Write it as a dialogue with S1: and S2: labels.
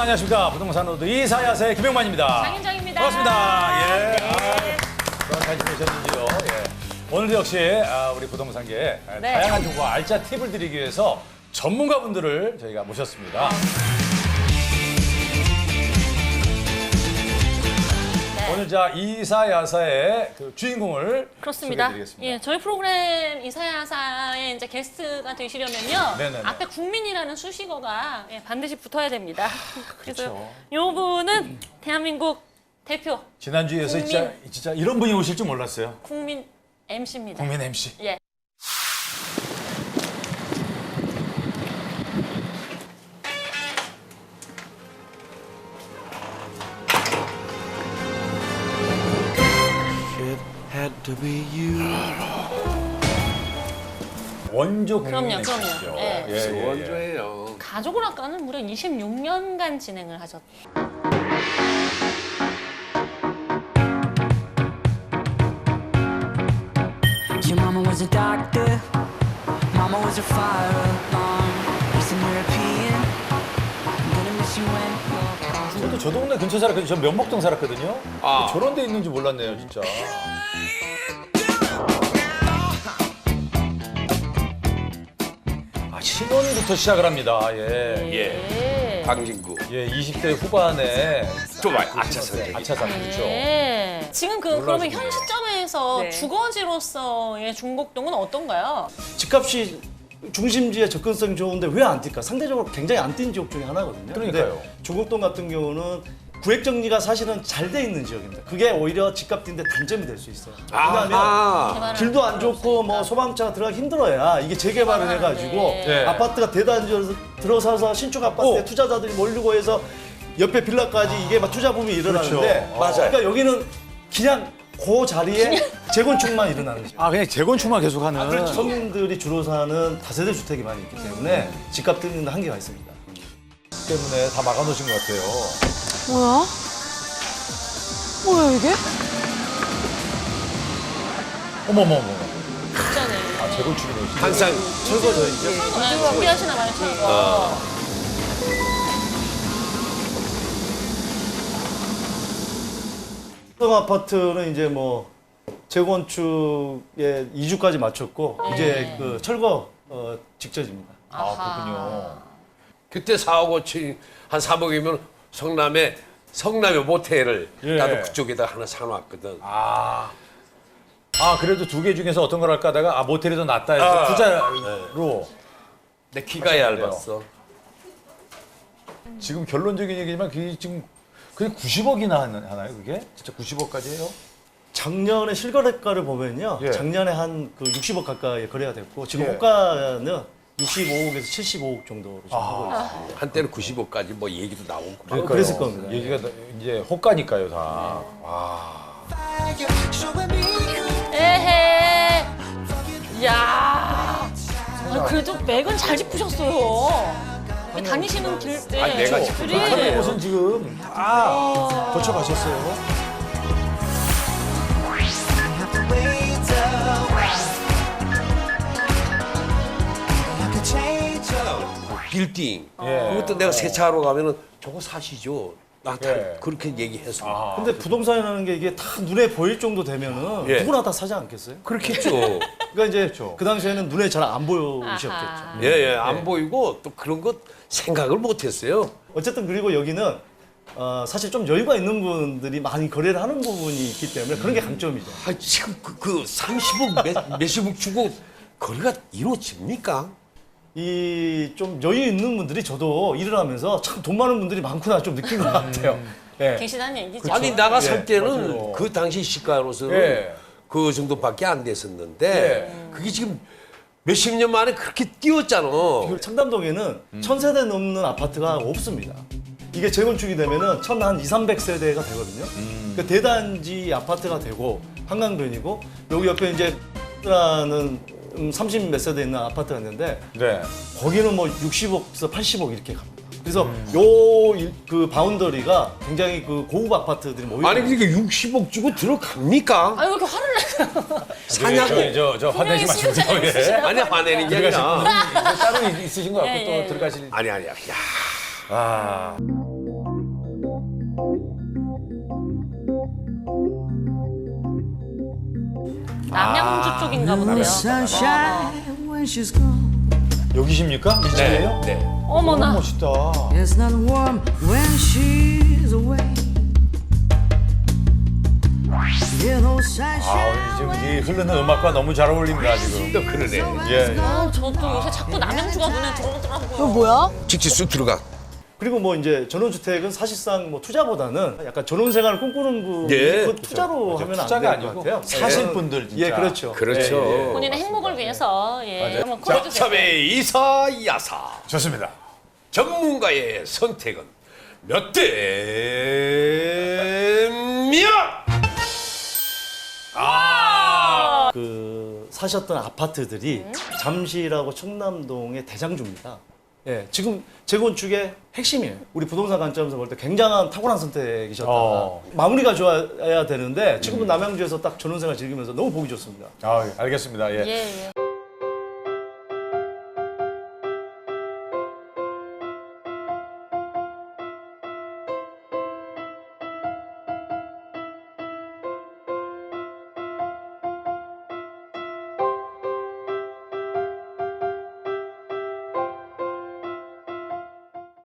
S1: 안녕하십니까. 부동산 로드 이사야사의 김영만입니다.
S2: 장윤정입니다.
S1: 반갑습니다. 예.
S2: 네.
S1: 잘 지내셨는지요? 예. 오늘도 역시 우리 부동산계에
S2: 네.
S1: 다양한 정보와 알짜 팁을 드리기 위해서 전문가분들을 저희가 모셨습니다.
S2: 네.
S1: 오늘 자 이사야사의 그 주인공을
S2: 그렇습니다.
S1: 소개해드리겠습니다.
S2: 예, 저희 프로그램 이사야사의 이제 게스트가 되시려면요.
S1: 네네네.
S2: 앞에 국민이라는 수식어가 반드시 붙어야 됩니다.
S1: 그렇죠.
S2: 그래서 요 분은 대한민국 대표
S1: 지난주에서 진짜 이런 분이 오실 줄 몰랐어요.
S2: 국민 MC입니다.
S1: 국민 MC.
S2: 예.
S3: It had to be you.
S1: 원조 국민
S2: 그럼요,
S1: MC죠.
S2: 그럼요. 예.
S3: 원조예요.
S2: 가족을 아까는 무려 26년간 진행을 하셨.
S4: Your mama was a doctor, mama was a fire alarm. Eastern European, I'm gonna miss you when you're gone.
S1: 저 동네 근처 살았거든요. 저 면목동 살았거든요.
S3: 아.
S1: 저런 데 있는지 몰랐네요, 진짜. 신혼부터 시작을 합니다. 예.
S3: 강진구.
S1: 예, 20대 후반에
S3: 좀 아차선.
S1: 아차산 그렇죠.
S2: 예. 지금 그러면
S1: 놀라시네요.
S2: 현 시점에서
S5: 네.
S2: 주거지로서의 중곡동은 어떤가요?
S5: 집값이 중심지에 접근성이 좋은데 왜 안 뛸까? 상대적으로 굉장히 안 뛴 지역 중에 하나거든요.
S1: 그러니까요.
S5: 근데 조국동 같은 경우는 구획 정리가 사실은 잘 돼 있는 지역입니다. 그게 오히려 집값 뛰는데 단점이 될 수 있어요. 왜냐하면
S3: 아,
S5: 길도 안 좋고 뭐 소방차가 들어가기 힘들어야 이게 재개발을 해가지고
S1: 네.
S5: 아파트가 대단지에서 들어서서 신축 아파트에 투자자들이 몰리고 해서 옆에 빌라까지 이게 막 투자 붐이 일어나는데
S1: 그렇죠.
S3: 맞아요.
S5: 그러니까 여기는 그냥 그 자리에 재건축만 일어나는 지역.
S1: 그냥 재건축만 계속하는.
S5: 서민들이 주로 사는 다세대 주택이 많이 있기 때문에 집값 뛰는 데 한계가 있습니다.
S1: 때문에 다 막아놓으신 것 같아요.
S6: 뭐야? 뭐야 이게?
S1: 어머머머.
S2: 진짜네.
S1: 재건축이네.
S3: 항상
S5: 철거죠.
S2: 준비하시나 봐요, 철거.
S5: 동 아파트는 이제 뭐 재건축에 2주까지 마쳤고 이제 그 철거 직전입니다.
S1: 그렇군요.
S3: 그때 4억 5천 한 3억이면 성남의 모텔을
S1: 예.
S3: 나도 그쪽에다 하나 사놨거든.
S1: 그래도 두 개 중에서 어떤 걸 할까 하다가 모텔이 더 낫다 해서 투자로.
S3: 내 키가 얇았어.
S1: 지금 결론적인 얘기지만 그게 지금 그게 90억이나 하나요, 그게? 진짜 90억까지 해요?
S5: 작년에 실거래가를 보면요.
S1: 예.
S5: 작년에 한 그 60억 가까이 거래가 됐고 지금
S1: 예.
S5: 호가는 65억에서 75억 정도로 지금 하고 있습니다.
S3: 한때는 90억까지 뭐 얘기도 나오고.
S1: 그러니까요.
S5: 그랬을 겁니다.
S1: 얘기가 이제 호가니까요, 다.
S2: 에헤. 이야. 그래도 맥은 잘 짚으셨어요. 다니시는 길 때.
S3: 아니, 내가 짚은 거
S1: 하는
S3: 아니에요.
S1: 곳은 지금 다 거쳐가셨어요.
S3: 빌딩.
S1: 예.
S3: 그것도 내가 세차하러 가면은 저거 사시죠. 나 다
S1: 예.
S3: 그렇게 얘기했어.
S5: 근데 부동산이라는 게 이게 다 눈에 보일 정도 되면은
S3: 예.
S5: 누구나 다 사지 않겠어요?
S3: 그렇겠죠.
S5: 그러니까 이제 그 당시에는 눈에 잘 안 보이셨겠죠.
S2: 아하.
S3: 예, 안 보이고 또 그런 것 생각을 못 했어요.
S5: 어쨌든 그리고 여기는 사실 좀 여유가 있는 분들이 많이 거래를 하는 부분이 있기 때문에 그런 게 강점이죠.
S3: 아, 지금 그 30억 몇십억 주고 거래가 이루어집니까?
S5: 이 좀 여유 있는 분들이 저도 일을 하면서 참 돈 많은 분들이 많구나 좀 느낀 것 같아요. 예.
S2: 계시다는 얘기죠.
S3: 아니 나가 살
S1: 예,
S3: 때는
S1: 맞아요.
S3: 그 당시 시가로서는
S1: 예.
S3: 그 정도밖에 안 됐었는데 그게 지금 몇십 년 만에 그렇게 뛰었잖아.
S5: 그 청담동에는 1000세대 넘는 아파트가 없습니다. 이게 재건축이 되면은 한 200~300세대가 되거든요. 그 대단지 아파트가 되고 한강변이고 여기 옆에 이제 라는 30 몇 세대 있는 아파트가 있는데
S1: 네.
S5: 거기는 뭐 60억에서 80억 이렇게 갑니다. 그래서 그 바운더리가 굉장히 그 고급 아파트들이 모여
S3: 아니
S5: 있는
S3: 그러니까 60억 주고 들어갑니까?
S2: 아, 왜 이렇게 화를 내세요?
S3: 사냐고.
S1: 저 화내지 마시고.
S2: 분명히
S1: 예.
S3: 아니 화내는 게 아니라.
S1: 따로 있으신 것 같고
S2: 예,
S1: 또
S2: 예.
S1: 들어가실.
S3: 아니야.
S1: 아.
S2: 남양주 쪽인가 본데요.
S4: Sunshine when she's gone.
S1: 여기십니까? 이 집이에요?
S3: 네.
S1: 너무
S2: 어머나.
S1: 멋있다.
S4: It's not warm when she's away. You know, sunshine.
S1: 아, 지금 이 흐르는 음악과 너무 잘 어울립니다 지금.
S3: 또 그러네.
S1: 예.
S2: 저도 요새 자꾸 남양주가 눈에 들어오더라고요.
S6: 이거 뭐야?
S3: 직접 쑥 들어가.
S5: 그리고 뭐 이제 전원주택은 사실상 뭐 투자보다는 약간 전원생활을 꿈꾸는
S3: 예.
S5: 그 투자로 하면 안
S1: 투자가
S5: 될 것
S1: 아니고
S5: 같아요.
S1: 사실 분들 진짜.
S5: 예, 그렇죠.
S3: 그렇죠.
S2: 본인의 행복을 위해서 예. 한번
S3: 자,
S2: 콜해주세요.
S3: 3회 이사야사.
S1: 좋습니다.
S3: 전문가의 선택은 몇 대면?
S5: 그 사셨던 아파트들이 잠실하고 충남동의 대장주입니다. 예, 지금 재건축의 핵심이에요. 우리 부동산 관점에서 볼 때 굉장한 탁월한 선택이셨다. 마무리가 좋아야 되는데 지금은 남양주에서 딱 전원생활 즐기면서 너무 보기 좋습니다.
S1: 아, 알겠습니다. 예.
S2: 예, 예.